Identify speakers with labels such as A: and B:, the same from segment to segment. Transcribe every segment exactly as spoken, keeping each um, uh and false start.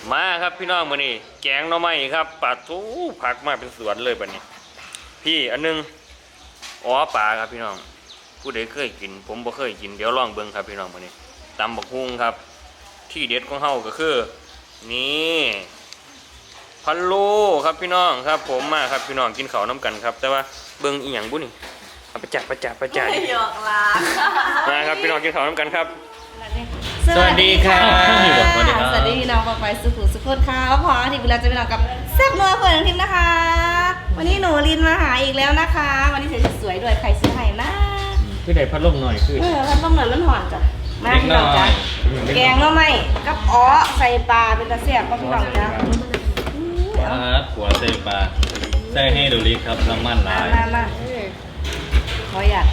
A: มาครับพี่น้องมื้อนี้แกงหน่อไม้ครับปลาทูผักมาเป็นสวนเลยบัดนี้พี่อันนึงอ๋อปลาครับพี่น้องผู้ใดเคยกินผมบ่เคยกินเดี๋ยวลองเบิ่งครับพี่น้องมื้อนี้ตำบักฮุ่งครับที่เด็ดของเฮาก็คือนี่พะโล้ครับพี่น้องครับผมมาครับพี่น้องกินข้าวน้ำกันครับแต่ว่าเบิ่งอีหยังบุนี่เอาไปจับไปจับไปจับ
B: ไม่หยอกลา
A: มาครับพี่น้องกินข้าวน้ำกันครับ
B: สวัสดีค่ะ
A: สวัสดีครับ
B: สวัสดีพี่น้องปอกไปสุขุสุขคนค่ะพอที่เวลาจะไปนอนกับแซ่บนัวเพื่อนทิมนะคะ วันนี้หนูลินมาหาอีกแล้วนะคะ วันนี้สวยๆด้วยใครซื้อให้นะ
A: พี่ได้พัดลมหน่อยคือ
B: เออพัดลมหน่อยมันหอนจ้ะมาพี่น้องจ้ะแกงหน่อไม้กับอ้อใส่ปลาเป็นตะเสียบก็พี่น้องจ้ะ
C: ปลาหัวใส่ปลาใส่ให้ดูดีครับน้ำมันห
B: มา
C: ลาย
B: มามาขออยาก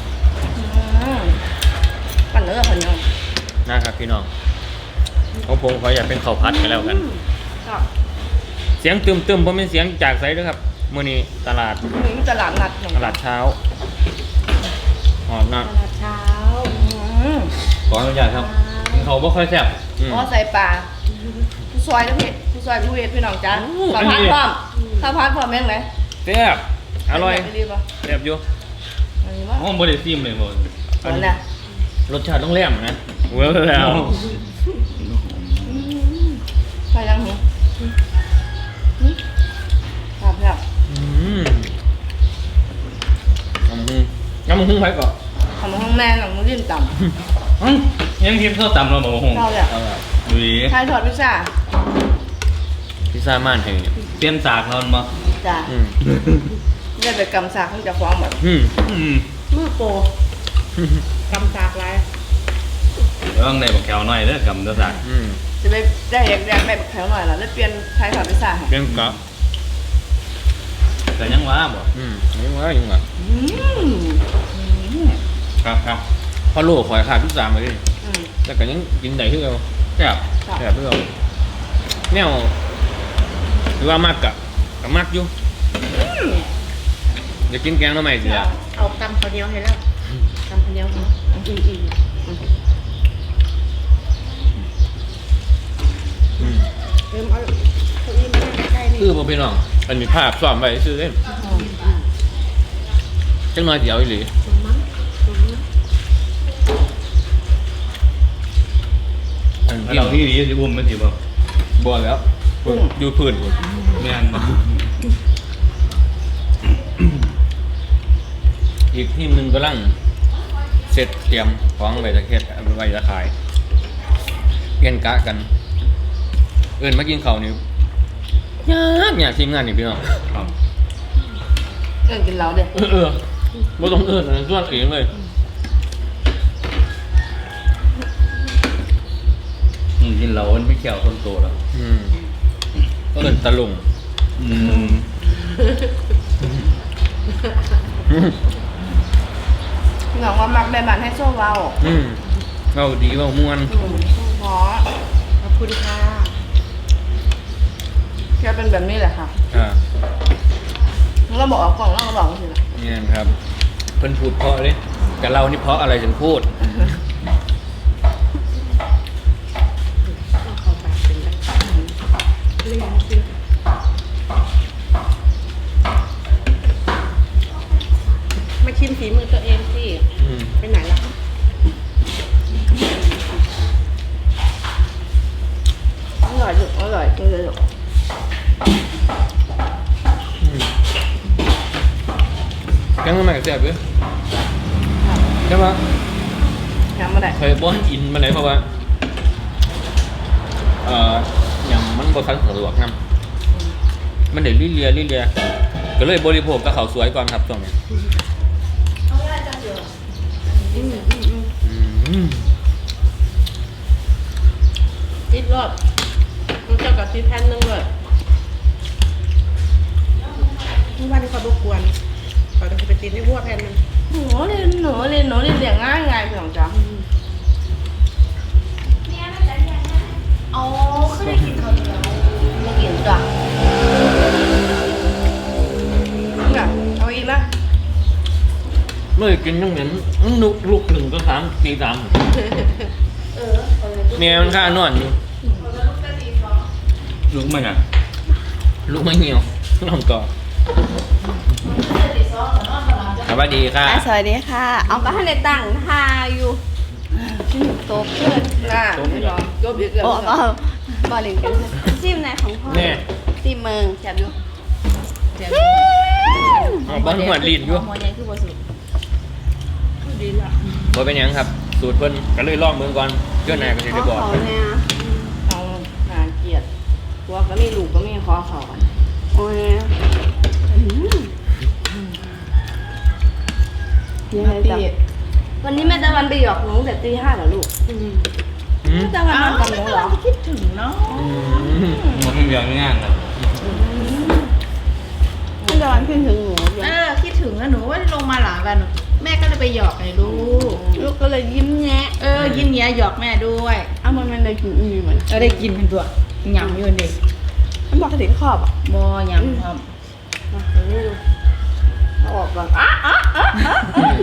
B: ปั่นเนื้อคนนึง
A: นะครับพี่น้องของผมขออยากเป็นข้าวผัดกันแล้วกัน
B: ก็
A: เสียงตึมตึมๆเพราะเป็นเสียงจากไซด์ด้วยครับมื้อนี้ตลาด
B: มีตลาดนัดหนึ่ง
A: ตลาดเช้าอ๋อนะ
B: ตลาดเช้า
C: ขออนุญาตครับเขาไม่ค่อยแซ่บ
A: อืม
B: อ๋อใส่ปลาผู้ซอยนะพี่ผู้ซอยผู้เวทพี่น้องจ้าข้าวผัดพร้อมข้าวผัดพร้อมแม่งไหน
A: แซ่บอร่อย
B: ดีป่ะ
A: แซ่บอยู่
B: อันนี้ว่า
C: อ๋อบริซิมเลยหมด
B: อันนี้นะ
A: รสชาติต้องแหลมนะเว้ยแล้ว
B: ใส่ยังหูครับครับ
A: อืมน้ำมึงน้ำมึงไปก่อน
B: ทำห้องแม่หนังมือดิ้นต่
C: อื้อยังคิดเข้าตำเราบอกว่าหง
B: ำเราเลย
A: เอาละ
C: ดูดี
B: ชายถอดพิซซ่า
A: พิซซ่าม่านแห่งนี้
C: เปลี่ยนสากเรามา
B: จ้า
A: อืม
B: ได้ไปกำซากเขาจะฟ้องแบบ
A: อืม
C: อืม
B: มือโปกำซากไร
C: เรื่องในบอกแถวหน่อยเด้อกำเด้อสาก
A: อืม
B: จะไปได้อยากได้แบบแถวหน่อยแล้วได้เปลี่ยนชายถอดพิซซ่าให้
A: เป็นกะ
C: แต่ยังว่าบ่
A: อืมยังว่ายังว่า
B: อืม
C: ครับครับ
A: พอโลข่อยขาดพิซซ่ามาดิ
B: อืม
A: แต่ก็ยังกินได้คือเรา
C: แซ่บ
A: แซ่บคือเราแนวหรือว่ามากกะกับมากอยู่จะกินแกงทำไมสิอ่ะ
D: เอาตำข้าวเหนียวให้แล้วตำข้าวเหนียวให้อีอี
A: อืม
D: เริ่มเอาเก้าอี้มานั่งใกล้ๆนี่
A: คือผมพี่น้องอันนี้ภาพซ้อมไว้ซื้อเล่นจังน้อยเดียวอีหลี
D: สมมั้งสมมั้ง
A: อัน
C: แล้ว
A: ที่
C: เราที่ดีสิบุ้มมันสิบ่
A: บ่แล้วอยู่พื้นพุ่น
C: แม่นบ่
A: อีกทีมหนึ่งกำลังเสร็จเตรียมของไว้จะเฮ็ดไว้จะขายเปลี่ยนกะกัน เอิ้นมากินข้าวนี่ยากยากทีมงานนี่พี่น้อง
C: ครับ
B: เอิ้นกินเหล้าเด้อ
A: เออเออบ่ต้องเอิ้นอันนั้นส่วนเองเลย
C: อืมกินเหล้ามันไม่เกี่ยวคนโตแล้ว
A: อืมเอิ้นตะลุง
C: อืม
B: พี่น้องว่ามักได้บ้านให้โซ่เว้า
A: อืมเว้าดีเว้าม่วน
B: เพราะ
D: ขอบคุณค่ะ
B: แค่เป็นแบบนี้แหละค่ะ
A: อ่า
B: เราบอกออกกล่องเราก็บอกสิล่ะ
A: เนี่ยครับเพิ่นพูดเพราะเลยแต่เรานี่เพราะอะไรถึงพูด
D: เอาเข้าปากเป็นแบบเลี้ยงสิมาชิมฝีมือตัวเองสิ
A: อืม
D: ไปไหนล่ะ
B: อร่อยจุกอร่อยจริงเลยจุก
A: แกงทำไมกับแซ่บเด้อใช่ปะ
B: ยังไม่ได้
A: เคยบ่ให้อินมาไหนเพราะว่าเอ่ออย่างมันบ่ทันสะดวกนํมันได้ลิเลียลิเลียก็เลยบริโภคกับข้าวสวยก่อนครับช่วงนี้
D: อืมอืมอืม
A: อืม
D: ติดรอดมันเจ้ากับติดแผ่นหนึงเลยเมื่อวานนี้เขารบกวนเขาจะไปติดในหัวแผ่นหนึง
B: หนูเรียนหนูเรียนหนูเรียนเรียงง่ายง่ายพี่น้องจ๊ะอ๋อคือได้กินข้าวเหนียวไม่กินจ้ะเนี่ยเอาอีกนะ
A: เมื่อกินยังเหม็นนุกลุกหนึ่งก็สามตีสาม
D: เออเออ
A: เมียมันข้านอนอยู่
C: ลูกมันอ่ะ
A: ลูกไม่เหี่ยวลองก่อนสวัสดีค่ะ
B: สวัสดีค่ะ เอาก็ให้ในตั้งท่าอยู่โต๊ะเพื่อนน่ะไม่รอจบอีกแล้วก็บอลลิงกันซิมไหนของพ่อ
A: แน่
B: ซิมเมืองแซ่บอยู่
D: เจ็บ
A: อ๋อบ้านหัวลีนอยู่
D: หัวใหญ่คือบ่สุดดีละ
A: บ่เป็นหยังครับ สูตรเพิ่นก็เลยลองเบิ่งก่อนเจ้านายก็สิได้บอก
B: เขาเนี่ยเอาหาเกียรติตัวก็มีลูกก็มีคอเขาโอ้ยยังไงจ๊ะวันนี้แม่ตะวันไปหยอกหนูแต่ตีห้าเหรอลูก
A: อืม
B: แม่ตะวันนอนกับหนูเหรอ
D: คิดถึงเนาะ
A: อืม
C: มันไม่ยอมง่ายนะ
B: แม่ตะวันขึ้นถึงหนู
D: เออคิดถึงแล้วหนูว่าลงมาหลายวันแม่ก็เลยไปหยอกไอ้ลูก
B: ลูกก็เลยยิ้มแย้
D: เออยิ้มแย้หยอกแม่ด้วย
B: อ้าวมันมันเลยกินอีเหมือน
D: เออได้กินเป็นตัวหยำอยู่ดิ
B: มันบอกถึงขอบอ่ะ
D: บ่หยำครับ
B: มาเดี๋ยวนี้ดูเอาออกก่อนอ่ะอ่ะอ่ะอ่ะ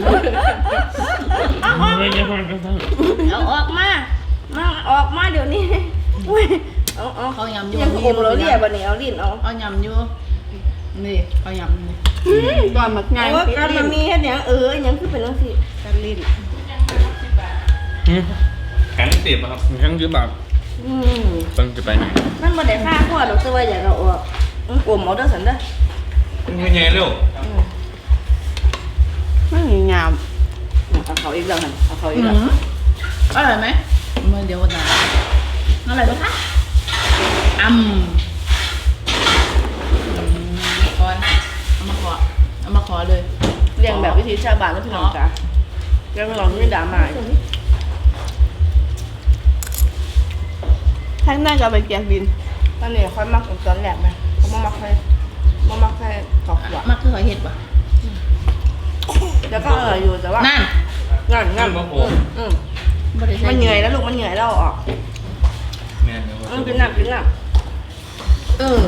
A: ไม่ใช่คนกระทั่ง
B: เอาออกมามาออกมาเดี๋ยวนี้อุ้ยเอาเอา
D: เขาหยำอยู่
B: ยังอมเราเรียบวันนี้เอาลิ้นเอา
D: เอาหยำอยู่นี่เขาหยำนี่
B: ตอนมักง่ายว่าการมันมีแค่เนี้ยเออยังคือเป็นต้องสิการลิ้น
A: อืม
C: แข็งเตียบครับ
A: ทั้งคือแบบ
B: อืม
A: เพิ่งจะไปไหน
B: มันบ่ได้ฆ่าพ่อดอกตัวอย่าเราออกมันกลมเอาเด้อสันเด้อ
C: ไม่ใหญ่เร็ว
B: ไม่มีงามเอาเขาอีกแล้วหันเอาเขาอีกแล้ว
D: อร่อยไหมเมื่อเดียววันนั้นอร่อยไหมคะอืมก่อนเอามาขอเอามาขอเลย
B: เรียงแบบวิธีชาวบ้านแล้วพี่น้องจ้ะแกไม่ลองไม่ด่าหมายท่านน่าจะไปเกียงบินตอนนี้ค่อยมักตอนแรกไหมเขามามักให้มามักให้ขอบหัว
D: มาคือหอยเห็ดป่ะ
B: แล้วก็เอออยู่แต่ว่า
D: นั่น
B: งั้นงั้นอืม
D: บ่ได้ใส่
B: มันเหนื่อยแล้วลูกมันเหนื่อยแล้วเอาออก
C: แม่เดี๋ยว
B: อืมกินน้ำกินน้
D: เออ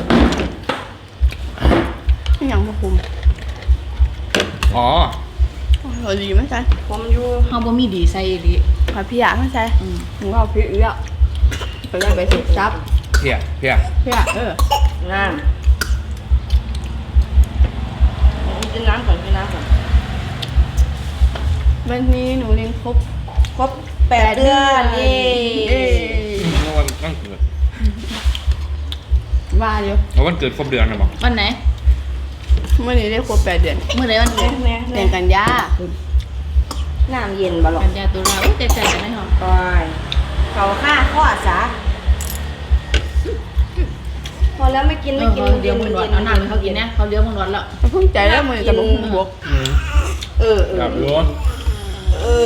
B: ำไม่ยังมาคุม
A: อ๋อ
B: เออดีไหมจ๊ะผมอยู่
D: เฮาบ่มีดีใส่อีหลี
B: หาพี่อยากไม่ใช่
D: อืม
B: หนูเอาพี่อีกแล้วไปได้ไปสิจับ
A: เพียเพีย
B: พี่อยากเออน้ำกินน้ำก่อนกินน้ำก่อนวันนี้หนูเรียนครบครบแปดเดือนเย้
A: เมื่อวันวันเกิด
B: ว่าเดี๋ยว
A: เอาวันเกิดครบเดือนนะบอก
D: วันไหน
B: เมื่อนี้ได้ครบแปดเดือน
D: เมื่อไหร่วันเกิด
B: เดือนกันยาน้ำเย็นบ่หรอก
D: กันยาตุลาอุ้ยใจใจกันได้หรอ
B: ปอยเขาฆ่าข้อสาพอแล้วไม่กิน
D: เอ
B: ไม่
D: อ
B: กิน
D: เขาเลี้ยวมึงร้อนเอาน้ำให้เขากินนะเขาเลี้ยวมึงร้อนแล้ว
B: เพิ่งใจแล้วมือจะบุกบวก
A: อืม
B: เออเออ
A: กับร้อน
B: เออ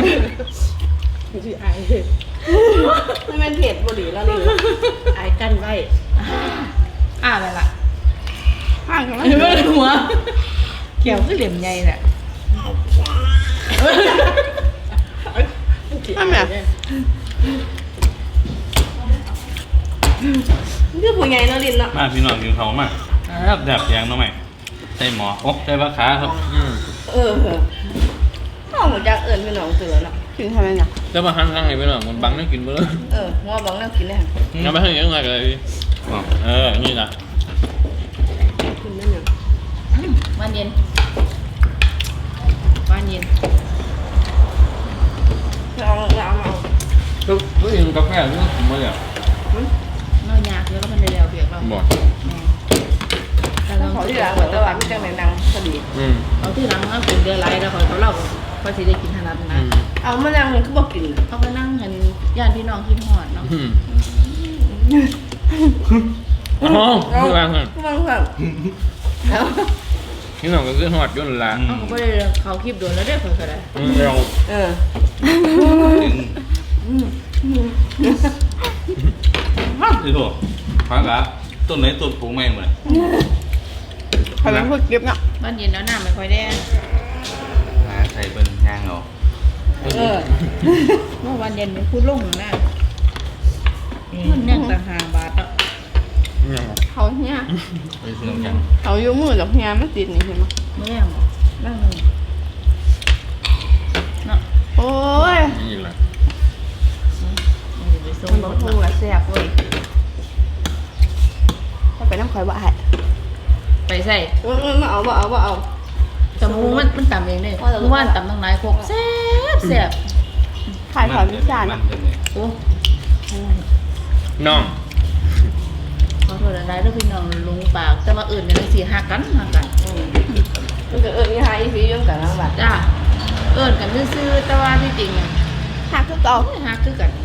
B: ไม่เป็นเผ็ดบุหรี่แล้วนี่
D: ไอ้กันไว้อ่าอะไรล่ะ
B: ห่างกันไหม
D: ไม่ได้หัวเขียวคือเหลี่ยมใหญ่แหละ
B: ทำไมนี่คือผู้ใหญ่เนาะลินเนาะ
C: มาพี่น้องกินเขามากครับแบบยางน้องใหม่ใส่หมออกใส่ปลาขาครับ
A: อืม
B: เออข้าวหมูจากเอิญพี่น้องเสือเนาะกินทำไมเนี่ย
A: จะมาหันทางไหนไปหน่อยมันบังนั่งกินไปเลย
B: เอองัวบังแล้วกินได้ค่ะ
A: งั้นไปทางนี้ยังไงกันเลยพี่เออ นี่นะ
B: กินได้เนี่ย
D: วันเย็นวันเย็น
B: เอาเอาเอา
A: ทุกทุกอย่างกาแฟนี่ผมมาเลย
D: เราอยากเยอะแล้วมันได้แล้วเบียกเรา
A: บอก
D: แต่เรา
B: ขอที่หลังเหมือนตะวันไม่จังไหนนางพอดี
A: อืม
D: เอาที่หลังมันเป็นเดือนไรแล้วเขาเขาเล่าเขาสิได้กินขนาดนั้น
A: อืม
B: เอามะนาวมันก็บอกกิน
D: เขาก็นั่งเห็นญาติพี่น้องคิดหอดเนาะ
A: อืมอ๋อคือว่าไง
B: ก็บางแบบแล้ว
A: นี่น้องก็คือหอดยุ่นละ
D: เขาก็ไม่ได้เขาคลิปโดนแล้วได้เผยก็ได้
A: อืมเรา
B: เออ
C: มากที่สุดพักละต้นไหนต้นปลูกแม่งเหมือน
B: ใครเป็นคนเก็บเนาะ
D: บ้านเย็นแล้วน้ำไม่ค่อยได้
C: หาใส่เป็นยางเอา
B: เออ
D: เมื่อวันเย็นมันพูดลงนะมันเนี่ยต่างหากบาทอ่ะ
A: เนี่ย
B: เขาเนี่ย
C: ไปซื้อน้ำจัง
B: เขาอยู่มือดอกเฮียไม่ติดนี่เห็นไหม
D: เมื่อแรงนั่งหนึ่งเนาะ
B: โอ้ย
A: นี่แหละ
D: มันอยู่ไปส่ง
B: มัน
D: ร
B: บอก
D: ถ
B: พูดละแซ่บเว้ยอยว่าให้
D: ไปใส่
B: มาเอามาเอามาเอา
D: จมูกมันมันต่ำเองเลย
B: ว่าแต่
D: เมื่อวานต่ำตั้งหลายโคกแซ่บแซ่บ
B: ขายถอนวิจารณ์
C: มันเป็นไง
D: โอ้
A: น้อง
D: ขอโทษหลายๆเด้อพี่น้องลุงปากแต่ว่าอื่นกันสิหักกันหักกัน
B: มันก็เอิญยี่ห้าอีฟีย่อมกันทั้งบัด
D: จ้าเอื่นกันซื่อๆแต่ว่าที่จริงอ่ะ
B: หักคือเก่า
D: โอ้ยหักคือกัน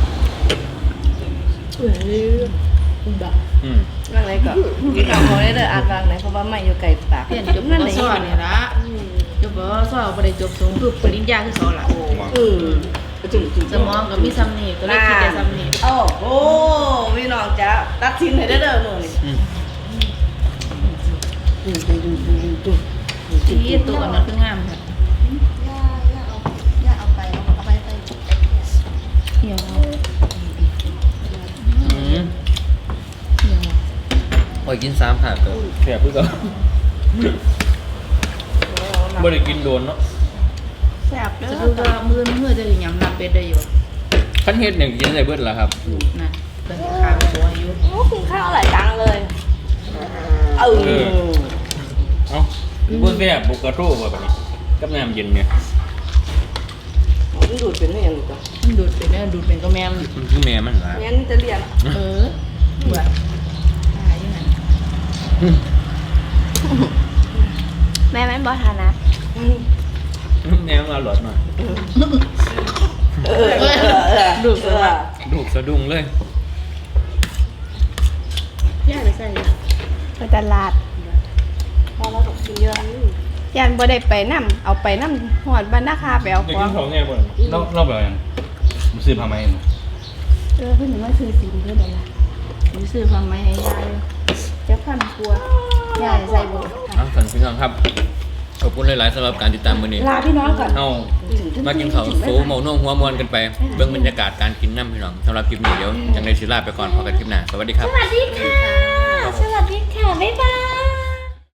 B: เฮ้ยคุณบัก
A: อืม
B: บางไรก็พี่น้องเขาได้เด้ออ่านบางไหนเพราะว่าไม่อยู่ไกลปาก
D: เปลี่ยนจบ
B: นั่น
D: บ
B: ไหน
D: สอนนี่ละจบบ่สอนบ่ได้จบสูงคือปริญญาคือสอนล่ะ
B: อืมจุ่มจุ่ม
D: สมองก็มีซ้ำนี่ก็เลยคิดได้ซ้ำนี่
B: โอ้โหพี่น้องจ้าตัดทิ้งให้ได้เด้อมื้อนี้
A: อืม
D: ที่ตัวอันนั้นคืองามค่ะ
B: ย่าย่าเอาย่าเอาไปเอาไปไป
D: เหี่ยวเอา
A: อืม
D: เหี่ยวเอา
A: โอ้ยกินสามผักก็แซ่บคือเก่าบ่ได้กินโดนเนาะ
B: แซ่บเด้
D: จะ
B: อ
D: ดูว่ามือมือจะยำน้ำเป็ดได้อยู่
A: คันเฮ็ดเนี่ยกินได้เบิดล่ะครับ
D: นะเป็นข้าวหัวอยู่
B: โอ้คุณข้าวหลายตังเลยเออ
A: เอ้าบ่แซ่บบ่กระโทกว่าบัดนี้กับน้ำเย็นเนี่ย
B: มันดูดเป็นได้ยังไงจ๊ะ
D: มันดูดเป็นเนี่ยดูดเป็นก็แม่ม
A: มันคือแม่มันล่ะ
B: งั้นจะเรียน
D: เออเบื่อตายยังไง
B: แม่แม่บอทานะ
A: แม่มันอร่อยมาก
B: เออเออเออ
D: ดูดไปว่า
A: ดูกสะดุ้งเลย
D: ย่าไปใส่
E: ไปตลาด
B: พอเราตกกินเยอะ
E: ยันบ่ได้ไปนํเอาไปนํหอดบ้านนาคาไปเอา
C: จะ
E: ขอ
C: กิ
E: ง
C: นของไงบ่เราเราแบบยังมันซื้อผ้าไหม
E: เออเพิ่นว่าซื้อสินเพิ่นนั่นล่ะ
D: มีซื้อฟังไหมให้ยาย
E: จะพันกลัวย่าใส่บ่
A: เอาสันพี่น้องครับ ขอบคุณหลายๆสำหรับการติดตามมื้อนี้
E: ลาพี่น้องก่อน
A: เอามากินข้าวโซเมาน่วงหัวมวนกันไป เบิ่งบรรยากาศการกินน้ำพี่น้องสำหรับคลิปนี้เดี๋ยวจังได้สิลาไปก่อนพอกันคลิปหน้า สวัสดีครับ
E: สวัสดีค่ะ สวัสดีค่ะ บ๊ายบาย